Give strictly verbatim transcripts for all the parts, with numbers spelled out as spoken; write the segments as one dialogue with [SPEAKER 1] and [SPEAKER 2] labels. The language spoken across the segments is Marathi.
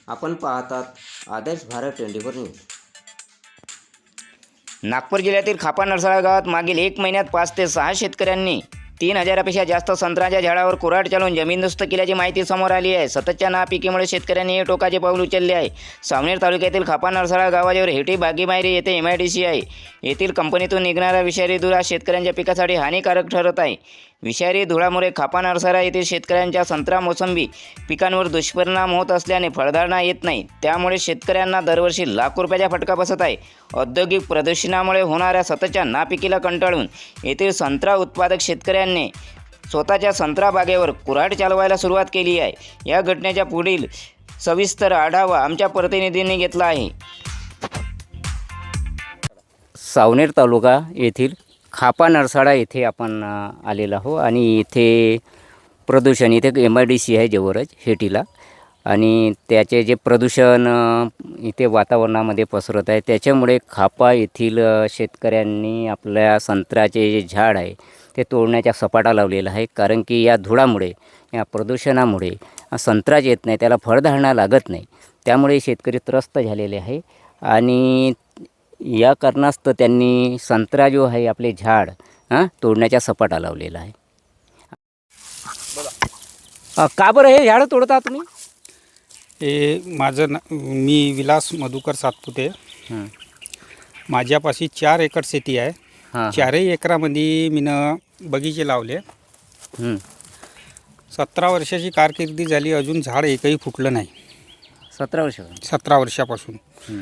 [SPEAKER 1] आपण पाहतात Adarsh Bharat twenty four news.
[SPEAKER 2] Nagpur जिल्ह्यातील खापा नरसाळा गावात मागील एक महिन्यात पाच ते सहा शेतकऱ्यांनी तीन हजारापेक्षा जास्त संत्र्याच्या झाडावर कुऱ्हाड चालवून जमीनदोस्त केल्याची माहिती समोर आली आहे. सततच्या नापिकीमुळे शेतकऱ्यांनी हे टोकाचे पाऊल उचलले आहे. सावनेर तालुक्यातील खापा नरसाळा गावाजवळ हेटी बागीमायरी येथे एम आय डी सी आहे. येथील कंपनीतून निघणारा विषारी धूर हा शेतकऱ्यांच्या पिकासाठी हानिकारक ठरत आहे. विषारी धुळामुळे खापा नरसाळा येथील शेतकऱ्यांच्या संत्रा मोसंबी पिकांवर दुष्परिणाम होत असल्याने फळधारणा येत नाही. त्यामुळे शेतकऱ्यांना दरवर्षी लाख रुपयाचा फटका बसत आहे. औद्योगिक प्रदूषणामुळे होणाऱ्या सततच्या नापिकीला कंटाळून येथील संत्रा उत्पादक शेतकऱ्यांनी स्वतःच्या संत्रा बागेवर कुऱ्हाड चालवायला सुरुवात केली आहे. या घटनेच्या पुढील सविस्तर आढावा आमच्या प्रतिनिधींनी घेतला आहे. सावनेर तालुका येथील खापा नरसाळा येथे आपण आलेलो आहो आणि इथे प्रदूषण इथे एम आय डी सी आहे जवळच हेटीला, आणि त्याचे जे प्रदूषण इथे वातावरणामध्ये पसरत आहे त्याच्यामुळे खापा येथील शेतकऱ्यांनी आपल्या संत्र्याचे जे झाड आहे ते तोडण्याचा सपाटा लावलेला आहे. कारण की या धुळामुळे, या प्रदूषणामुळे संत्राच येत नाही, त्याला फळधारणा लागत नाही. त्यामुळे शेतकरी त्रस्त झालेले आहे आणि या कारणास्तव त्यांनी संत्रा जो आहे आपले झाड हां तोडण्याचा सपाटा लावलेला आहे. का बरं हे झाडं तोडता तुम्ही?
[SPEAKER 3] हे माझं ना मी विलास मधुकर सातपुते.
[SPEAKER 2] हां
[SPEAKER 3] माझ्यापाशी चार एकर शेती आहे.
[SPEAKER 2] हां
[SPEAKER 3] चारही एकरामध्ये मीनं बगीचे लावले. सतरा वर्षाची कारकिर्दी झाली, अजून झाड एकही फुटलं नाही.
[SPEAKER 2] सतरा वर्ष
[SPEAKER 3] सतरा वर्षापासून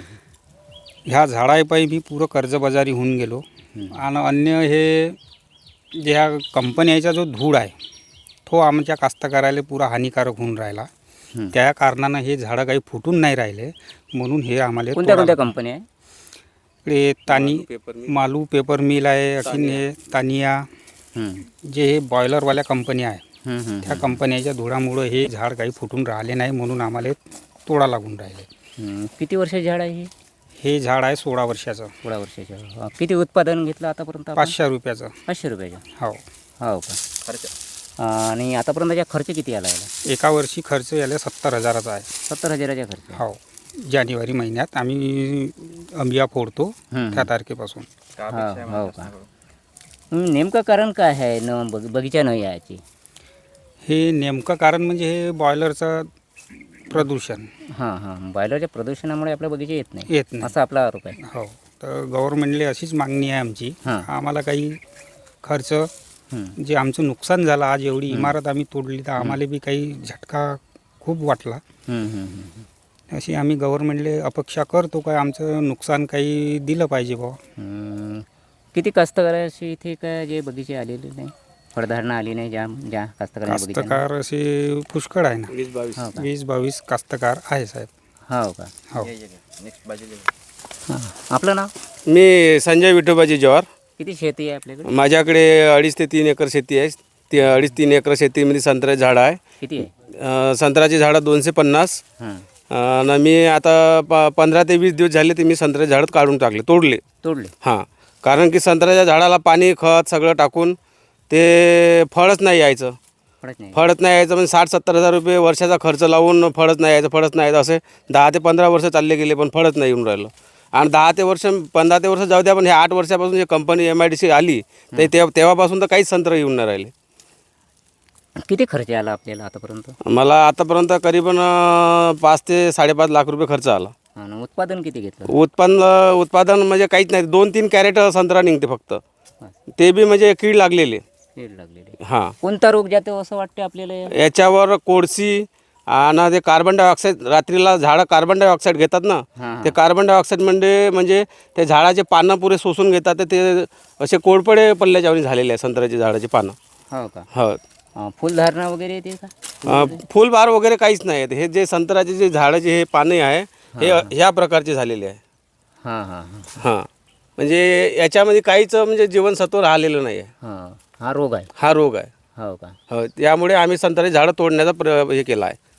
[SPEAKER 3] ह्या झाडापायी मी पुरं कर्जबाजारी होऊन गेलो. आणि अन्य हे जे ह्या कंपन्याचा जो धूळ आहे तो आमच्या कास्तकाराला पुरा हानिकारक होऊन राहिला. त्या कारणानं हे झाडं काही फुटून नाही राहिले, म्हणून हे आम्हाला
[SPEAKER 2] कोणत्या कोणत्या कंपन्या आहे?
[SPEAKER 3] इकडे तानी मालू पेपर मिल आहे, अखिन हे तानिया, जे हे बॉयलरवाल्या कंपन्या आहे त्या कंपन्याच्या धुळामुळं हे झाड काही फुटून राहिले नाही, म्हणून आम्हाला तोडा लागून राहिले.
[SPEAKER 2] किती वर्षाचे झाड आहे हे?
[SPEAKER 3] हे झाड आहे सोळा वर्षाचं.
[SPEAKER 2] सोळा वर्षाचं. किती उत्पादन घेतलं आतापर्यंत आपण?
[SPEAKER 3] पाचशे रुपयाचं.
[SPEAKER 2] पाचशे रुपयाचं.
[SPEAKER 3] हो
[SPEAKER 2] हो का? खर्च आणि आतापर्यंतचा खर्च किती आला याला?
[SPEAKER 3] एका वर्षी खर्च याला सत्तर हजाराचा आहे.
[SPEAKER 2] सत्तर हजाराचा खर्च.
[SPEAKER 3] हो, जानेवारी महिन्यात आम्ही अंबिया फोडतो त्या तारखेपासून.
[SPEAKER 2] हो का? नेमकं कारण काय आहे न बग बगीचा न याची?
[SPEAKER 3] हे नेमकं कारण म्हणजे हे बॉयलरचं प्रदूषण.
[SPEAKER 2] हां हां बॉयलरच्या प्रदूषणामुळे आपल्या बगीचा येत नाही
[SPEAKER 3] येत नाही
[SPEAKER 2] असा आपला आरोप आहे.
[SPEAKER 3] हो, तर गव्हर्नमेंटला अशीच मागणी आहे आमची.
[SPEAKER 2] हां.
[SPEAKER 3] आम्हाला काही खर्च जे आमचं नुकसान झालं, आज एवढी इमारत आम्ही तोडली तर आम्हाला बी काही झटका खूप वाटला. अशी आम्ही गव्हर्नमेंटला अपेक्षा करतो काय आमचं नुकसान काही दिलं पाहिजे बुवा.
[SPEAKER 2] किती कास्तकाराशी इथे काय जे बगीचे आलेले नाही, फळधारणा आली नाही, ज्या ज्या कास्तकारांच्या बगीचा
[SPEAKER 3] कास्तकार असे पुष्कळ आहे ना.
[SPEAKER 2] वीस बावीस
[SPEAKER 3] वीस बावीस कास्तकार आहे साहेब.
[SPEAKER 2] हो का?
[SPEAKER 3] हो.
[SPEAKER 2] हां. आपलं नाव?
[SPEAKER 4] मी संजय विठोबाजी जवार.
[SPEAKER 2] किती शेती आहे आपल्याकडे?
[SPEAKER 4] माझ्याकडे अडीच ते तीन एकर शेती आहे. ती अडीच तीन एकर शेतीमध्ये संत्र्याची झाडं आहे.
[SPEAKER 2] किती आहे?
[SPEAKER 4] अं, संत्र्याची झाडं दोनशे पन्नास.
[SPEAKER 2] हां.
[SPEAKER 4] आणि मी आता प पंधरा ते वीस दिवस झाले ते मी संत्र्याची झाडं काढून टाकले, तोडले.
[SPEAKER 2] तोडले?
[SPEAKER 4] हां, कारण की संत्र्याच्या झाडाला पाणी खत सगळं टाकून ते फळच नाही यायचं.
[SPEAKER 2] फळच नाही.
[SPEAKER 4] फळच नाही यायचं म्हणजे साठ सत्तर हजार रुपये वर्षाचा खर्च लावून फळच नाही यायचं, फळच नाही यायचं, असे दहा ते पंधरा वर्ष चालले गेले पण फळच नाही येऊन राहिलं. आणि दहा ते वर्ष पंधरा ते वर्ष जाऊ द्या, पण हे आठ वर्षापासून जे company M I D C आली ते तेव्हापासून तर काहीच संत्र येऊन नाही राहिले.
[SPEAKER 2] किती खर्च आला आपल्याला आतापर्यंत?
[SPEAKER 4] मला आतापर्यंत करीबन अं, पाच ते साडेपाच लाख रुपये खर्च आला.
[SPEAKER 2] आणि उत्पादन किती घेतलं?
[SPEAKER 4] उत्पन्न उत्पादन म्हणजे काहीच नाही, दोन तीन कॅरेट संत्रा निघते फक्त, ते बी म्हणजे कीड लागलेले.
[SPEAKER 2] कीड लागलेली.
[SPEAKER 4] हां,
[SPEAKER 2] कोणता रोग जातो असं वाटतं आपल्याला?
[SPEAKER 4] याच्यावर कोळसी आणि ते कार्बन डायऑक्साईड, रात्रीला झाडं कार्बन डायऑक्साईड घेतात ना,
[SPEAKER 2] हां.
[SPEAKER 4] ते कार्बन डायऑक्साईड म्हणजे म्हणजे ते झाडाचे पानं पुरे शोषून घेतात, तर ते असे कोळपडे पल्ल्याच्यावरी झालेले आहे संत्र्याचे झाडाचे पानं.
[SPEAKER 2] हो का?
[SPEAKER 4] हो.
[SPEAKER 2] अं, फुलधारणा वगैरे येते का?
[SPEAKER 4] अं, फुलबार वगैरे काहीच नाही आहेत. हे जे संत्र्याचे जे झाडाचे हे पाने आहे हे ह्या प्रकारचे झालेले आहे.
[SPEAKER 2] हां हां हां
[SPEAKER 4] हां, म्हणजे याच्यामध्ये काहीच म्हणजे जीवनसत्व राहिलेलं नाही आहे.
[SPEAKER 2] हां. हा रोग आहे.
[SPEAKER 4] हा रोग आहे.
[SPEAKER 2] हो का?
[SPEAKER 4] हो, त्यामुळे आम्ही संत्र्याची झाडं तोडण्याचा प्र हे केला आहे,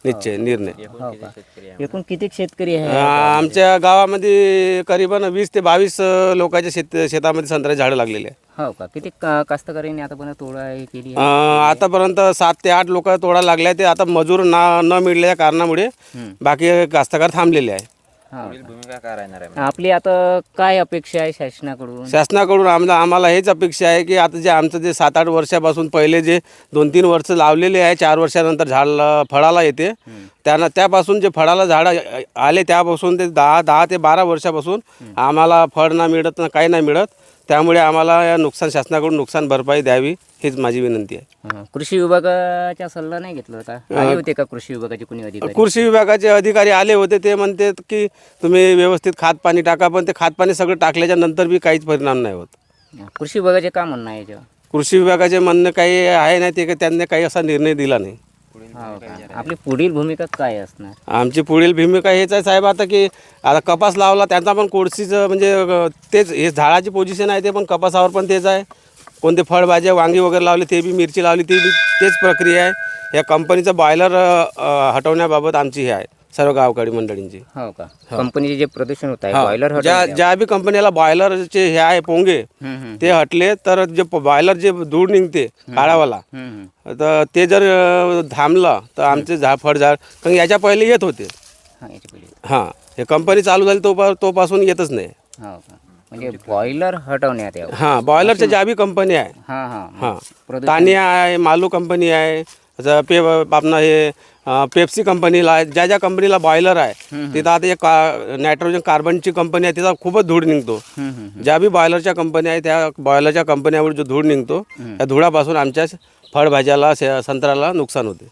[SPEAKER 4] निश्चय निर्णय.
[SPEAKER 2] हो का एकूण किती शेतकरी आहे
[SPEAKER 4] आ, आमच्या गावामध्ये करीबन वीस ते बावीस अ, लोकांच्या शेत शेतामध्ये संत्र्याची झाडं लागलेली आहे.
[SPEAKER 2] हो का किती का- कास्तकऱ्यांनी आतापर्यंत तोडा हे केली
[SPEAKER 4] अ,
[SPEAKER 2] आहे?
[SPEAKER 4] आतापर्यंत सात ते आठ लोक तोडा लागल्या ते आता मजूर ना न मिळाल्या कारणामुळे
[SPEAKER 2] हं.
[SPEAKER 4] बाकी कास्तकार थांबलेले आहे.
[SPEAKER 2] हो का? आपली आता काय अपेक्षा आहे शासनाकडून?
[SPEAKER 4] शासनाकडून आम्हाला आम्हाला हेच अपेक्षा आहे की आता जे आमचं जे सात आठ वर्षापासून पहिले जे दोन तीन वर्ष लावलेले आहे, चार वर्षानंतर झाड ल- फळाला येते, त्यांना त्यापासून जे फळाला झाडं आले त्यापासून ते दहा दहा ते बारा वर्षापासून आम्हाला फळ ना मिळत ना काही नाही मिळत. त्यामुळे आम्हाला या नुकसान शासनाकडून नुकसान भरपाई द्यावी हीच माझी विनंती आहे.
[SPEAKER 2] हं. कृषी विभागाचा सल्ला नाही घेतला होता? आले होते का कृषी विभागाचे कोणी अधिकारी?
[SPEAKER 4] कृषी विभागाचे अधिकारी आले होते, ते म्हणतात की तुम्ही व्यवस्थित खात पाणी टाका, पण ते खात पाणी सगळं टाकल्याच्या नंतर बी काहीच परिणाम नाही होत.
[SPEAKER 2] हं. कृषी विभागाचे का म्हणणं आहे याच्यावर?
[SPEAKER 4] कृषी विभागाचे म्हणणं काही आहे नाही ते, त्यांनी काही असा निर्णय दिला नाही.
[SPEAKER 2] हो का? आपली पुढील भूमिका काय असणार?
[SPEAKER 4] आमची पुढील भूमिका हेच आहे साहेब, आता की आता कपास लावला त्यांचा पण कोळशीचं म्हणजे अ, तेच हे झाडाची पोझिशन आहे, ते पण कपासावर पण तेच आहे. कोणते फळभाज्या वांगी वगैरे लावले ते बी, मिरची लावली ती बी तेच प्रक्रिया आहे. या कंपनीचं बॉयलर हटवण्याबाबत आमची हे आहे सर्व गावकरी मंडळींची.
[SPEAKER 2] हो का? कंपनीचे जे प्रदूषण होत आहे बॉयलर
[SPEAKER 4] ज्या ज्या बी कंपनीला बॉयलरचे हे आहे पोंगे ते हटले तर जे बॉयलर जे धूळ निघते काळावाला तर ते जर अ, थांबलं तर आमचे झा फळझाड कारण याच्या पहिले येत होते. हां हे कंपनी चालू झाली तो तोपासून येतच नाही.
[SPEAKER 2] हो का? म्हणजे बॉयलर हटवण्यात यावं.
[SPEAKER 4] हां बॉयलरच्या ज्या बी कंपनी आहे,
[SPEAKER 2] हां हां
[SPEAKER 4] हां तानिया आहे, मालू कंपनी आहे, असं पे आपलं हे अ, पेप्सी कंपनीला आहे, ज्या ज्या कंपनीला बॉयलर आहे तिथं आता एक का नायट्रोजन कार्बनची कंपनी आहे, तिचा खूपच धूळ निघतो. ज्या बी बॉयलरच्या कंपनी आहे त्या बॉयलरच्या कंपन्यावर जो धूळ निघतो त्या धुळापासून आमच्या फळभाज्याला से- संत्र्याला नुकसान होते.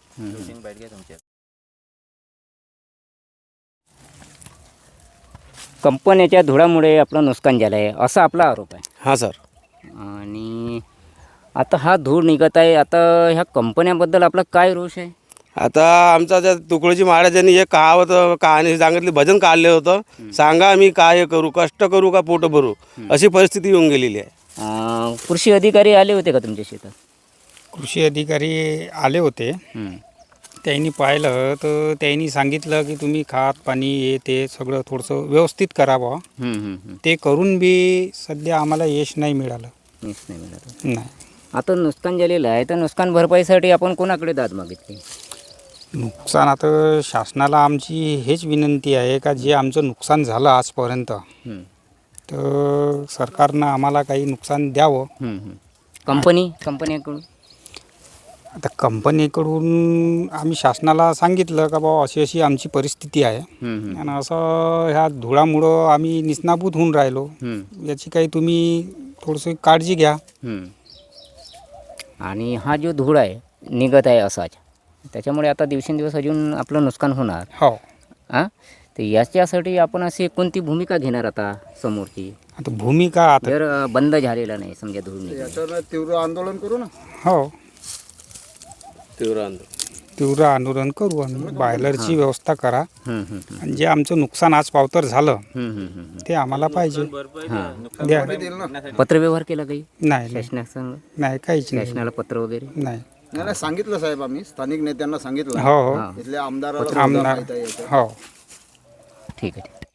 [SPEAKER 2] कंपन्याच्या धुळामुळे आपलं नुकसान झालं आहे असा आपला आरोप आहे.
[SPEAKER 4] हां सर.
[SPEAKER 2] आणि आता हा धूळ निघत आहे, आता ह्या कंपन्याबद्दल आपला काय रोष आहे?
[SPEAKER 4] आता आमचा त्या तुकडोजी महाराजांनी एक कहावत कहाणी सांगितली, भजन काढले होतं, सांगा मी काय करू, कष्ट करू का पोट भरू, अशी परिस्थिती येऊन गेलेली आहे.
[SPEAKER 2] अं, कृषी अधिकारी आले होते का तुमच्या शेतात?
[SPEAKER 3] कृषी अधिकारी आले होते,
[SPEAKER 2] हं.
[SPEAKER 3] त्यांनी पाहिलं तर त्यांनी सांगितलं की तुम्ही खात पाणी हे ते सगळं थोडंसं व्यवस्थित करावं.
[SPEAKER 2] हं, हं, हं.
[SPEAKER 3] ते करून बी सध्या आम्हाला यश नाही मिळालं.
[SPEAKER 2] मीच नाही मिळालं.
[SPEAKER 3] नाही.
[SPEAKER 2] आता नुकसान झालेलं आहे तर नुकसान भरपाईसाठी आपण कोणाकडे दाद मागितली?
[SPEAKER 3] नुकसान आता शासनाला आमची हेच विनंती आहे का जे आमचं नुकसान झालं आजपर्यंत
[SPEAKER 2] हं.
[SPEAKER 3] तर सरकारनं आम्हाला काही नुकसान द्यावं.
[SPEAKER 2] हं, हं. कंपनी कंपनीकडून
[SPEAKER 3] आता कंपनीकडून आम्ही शासनाला सांगितलं का बाबा अशी अशी आमची परिस्थिती आहे
[SPEAKER 2] हं, हं.
[SPEAKER 3] आणि असं ह्या धुळामुळं आम्ही निष्णाभूत होऊन राहिलो,
[SPEAKER 2] हं,
[SPEAKER 3] याची काही तुम्ही थोडंसं काळजी घ्या.
[SPEAKER 2] हं. आणि हा जो धूळ आहे निघत आहे असाच, त्याच्यामुळे आता दिवसेंदिवस अजून आपलं नुकसान होणार.
[SPEAKER 3] हो.
[SPEAKER 2] हां तर याच्यासाठी आपण अशी कोणती भूमिका घेणार आता समोरची?
[SPEAKER 3] आता भूमिका आता
[SPEAKER 2] जर अ, बंद झालेला नाही समजा धूळ निघणं.
[SPEAKER 5] तीव्र आंदोलन करू ना.
[SPEAKER 3] हो
[SPEAKER 4] तीव्र आंदोलन
[SPEAKER 3] तीव्र आंदोलन करू आम्ही. बॉयलरची व्यवस्था करा
[SPEAKER 2] हं, हं, हं.
[SPEAKER 3] आणि जे आमचं नुकसान आज पावतर झालं
[SPEAKER 2] हं, हं, हं, हं.
[SPEAKER 3] ते आम्हाला पाहिजे.
[SPEAKER 2] हां
[SPEAKER 3] द्या.
[SPEAKER 2] पत्रव्यवहार केला काही
[SPEAKER 3] नाही नाही,
[SPEAKER 2] शासनासंग?
[SPEAKER 3] नाही काहीच नाही.
[SPEAKER 2] शासनाला पत्र वगैरे?
[SPEAKER 3] नाही.
[SPEAKER 5] नाही नाही सांगितलं साहेब, आम्ही स्थानिक नेत्यांना सांगितलं.
[SPEAKER 3] हो हो
[SPEAKER 2] हां
[SPEAKER 5] इथल्या आमदाराला सुद्धा
[SPEAKER 3] आमदार
[SPEAKER 5] माहिती आहे याचं.
[SPEAKER 3] हो.
[SPEAKER 2] ठीक आहे ठीक आहे.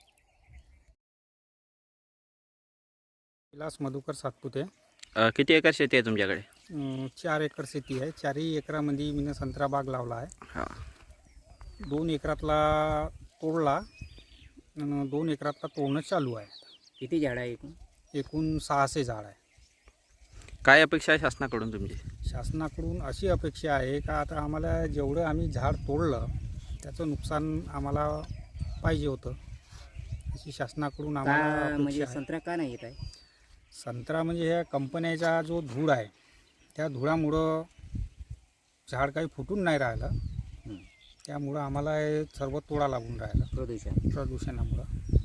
[SPEAKER 3] विलास मधुकर सातपुते.
[SPEAKER 6] अ, किती एकर शेती आहे तुमच्याकडे?
[SPEAKER 3] अं, चार एकर शेती आहे. चारही एकरामध्ये मी संत्रा बाग लावला आहे.
[SPEAKER 6] हां.
[SPEAKER 3] दोन एकरातला तोडला आणि दोन एकरातला तोडणं चालू आहे.
[SPEAKER 2] किती झाडं आहे एकूण?
[SPEAKER 3] एकूण सहाशे झाड आहे.
[SPEAKER 6] काय अपेक्षा आहे शासनाकडून तुमची?
[SPEAKER 3] शासनाकडून अशी अपेक्षा आहे का आता आम्हाला जेवढं आम्ही झाड तोडलं त्याचं नुकसान आम्हाला पाहिजे होतं, अशी शासनाकडून आम्हाला
[SPEAKER 2] का
[SPEAKER 3] अपेक्षा
[SPEAKER 2] म्हणजे
[SPEAKER 3] आहे.
[SPEAKER 2] संत्रा का नाही येत आहे?
[SPEAKER 3] संत्रा म्हणजे ह्या कंपन्याचा जो धूळ आहे त्या धुळामुळं झाड काही फुटून नाही राहिलं,
[SPEAKER 2] हं.
[SPEAKER 3] त्यामुळं आम्हाला हे सर्व तोडा लागून राहिलं
[SPEAKER 2] प्रदूषण.
[SPEAKER 3] प्रदूषणामुळं.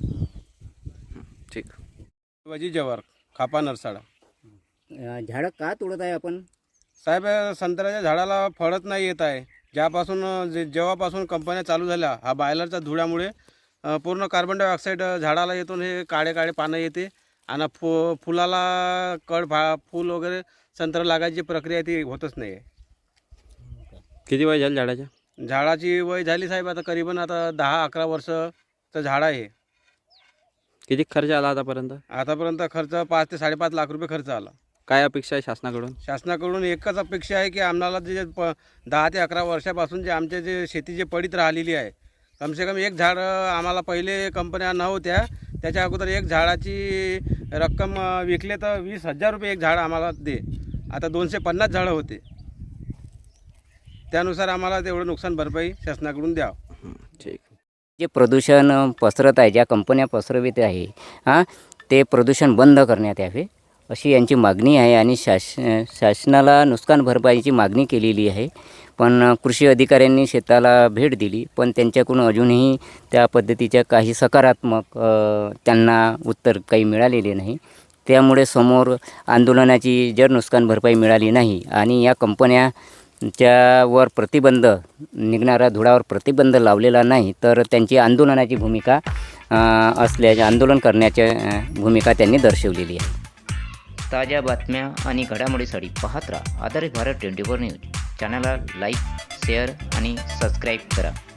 [SPEAKER 6] ठीक.
[SPEAKER 4] शिवाजी जवार, खापा नरसाडा.
[SPEAKER 2] अ, झाडं का तोडत आहे आपण?
[SPEAKER 4] साहेब संत्र्याच्या झाडाला फळच नाही येत आहे. ज्यापासून जे जेव्हापासून कंपन्या चालू झाल्या हा बॉयलरच्या धुळ्यामुळे अ, पूर्ण कार्बन डायऑक्साईड झाडाला येतून हे काळे काळे पानं येते आणि फु फुलाला कड भा फूल वगैरे संत्र लागायची प्रक्रिया ती होतच नाही आहे.
[SPEAKER 6] किती वय झालं झाडाच्या?
[SPEAKER 4] झाडाची वय झाली साहेब आता करीबन आता दहा अकरा वर्षचं झाड आहे.
[SPEAKER 6] किती खर्च आला आतापर्यंत?
[SPEAKER 4] आतापर्यंत खर्च पाच ते साडेपाच लाख रुपये खर्च आला.
[SPEAKER 6] काय अपेक्षा आहे शासनाकडून?
[SPEAKER 4] शासनाकडून एकच अपेक्षा आहे की आम्हाला जे प दहा ते अकरा वर्षापासून जे आमचे जे शेती जे पडीत राहिलेली आहे, कमसे कम एक झाड आम्हाला पहिले कंपन्या नव्हत्या, त्याच्या अगोदर एक झाडाची रक्कम अ, विकले तर वीस हजार रुपये एक झाड आम्हाला दे. आता दोनशे पन्नास झाडं होते, त्यानुसार आम्हाला तेवढं नुकसान भरपाई शासनाकडून द्यावं.
[SPEAKER 6] हं, ठीक.
[SPEAKER 2] जे प्रदूषण पसरत आहे, ज्या कंपन्या पसरवित आहे हां ते प्रदूषण बंद करण्यात यावे अशी यांची मागणी आहे. आणि शास शासनाला नुकसान भरपाईची मागणी केलेली आहे. पण कृषी अधिकाऱ्यांनी शेताला भेट दिली, पण त्यांच्याकडून अजूनही त्या पद्धतीच्या काही सकारात्मक अ, त्यांना उत्तर काही मिळालेले नाही. त्यामुळे समोर आंदोलनाची जर नुकसान भरपाई मिळाली नाही आणि या कंपन्या च्यावर प्रतिबंध निघणाऱ्या धुळावर प्रतिबंध लावलेला नाही तर त्यांची आंदोलनाची भूमिका अ, असल्याचे आंदोलन करण्याच्या अ, भूमिका त्यांनी दर्शवलेली आहे. ताज्या बातम्या आणि घडामोडीसाठी पाहत राहा आधारित भारत ट्वेंटी फोर न्यूज. चॅनलला लाईक, शेअर आणि सबस्क्राईब करा.